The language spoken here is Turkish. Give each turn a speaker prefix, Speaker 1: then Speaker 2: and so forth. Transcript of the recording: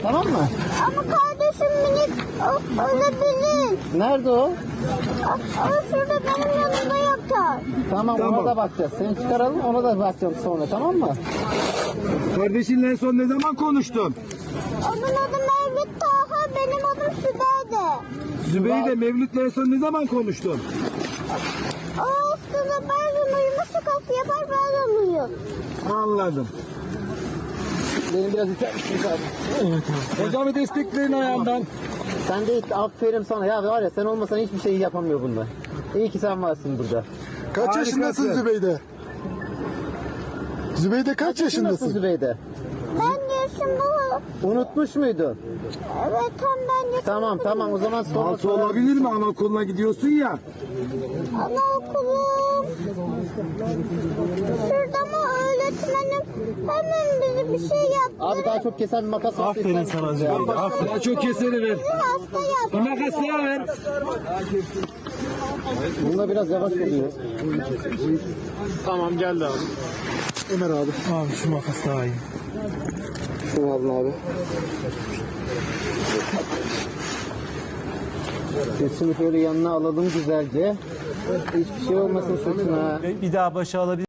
Speaker 1: Tamam mı?
Speaker 2: Ama kardeşim minik ölebilir.
Speaker 1: Nerede o?
Speaker 2: O şurada benim yanımda yatar.
Speaker 1: Tamam, ona da bakacağız. Seni çıkaralım, ona da bakacağım sonra, tamam mı?
Speaker 3: Kardeşinle en son ne zaman konuştun?
Speaker 2: Onun adı Mevlüt Taha, benim adım Sübeyde.
Speaker 3: Zübeyde Mevlüt'le en son ne zaman konuştun?
Speaker 2: O haftada bazen uyuma şakası yapar, bazen uyur.
Speaker 3: Anladım.
Speaker 1: Benim biraz iter misin abi?
Speaker 3: Hocamı destekleyin ayağından.
Speaker 1: Sen de aferin sana. Ya var ya, sen olmasan hiçbir şey yapamıyor bunlar. İyi ki sen varsın burada.
Speaker 4: Kaç
Speaker 3: Harikasın.
Speaker 4: yaşındasın Zübeyde? Zübeyde kaç
Speaker 1: Nasıl
Speaker 4: yaşındasın?
Speaker 1: Zübeyde?
Speaker 2: Ben yaşım bu.
Speaker 1: Unutmuş muydun?
Speaker 2: Evet, tam ben yaşım.
Speaker 1: Tamam, o zaman sonra
Speaker 3: Altı olabilir mi? Anaokuluna gidiyorsun ya.
Speaker 2: Anaokulum. Şurada mı öğretmenim hemen bize bir şey yaptı.
Speaker 1: Abi daha çok kesen bir makas var.
Speaker 3: Aferin sana Zübeyde. Aferin. Daha çok keseri ver.
Speaker 2: Hasta yaptı.
Speaker 3: Makas daha ver.
Speaker 1: Bunda biraz yavaş oluyor.
Speaker 3: Tamam geldi abi.
Speaker 4: Ömer abi.
Speaker 3: Abi şu makas daha iyi.
Speaker 4: Şunu alın abi.
Speaker 1: Sesini şöyle yanına alalım güzelce. Hiçbir şey olmasın sırtına.
Speaker 5: Bir daha başa alabilir.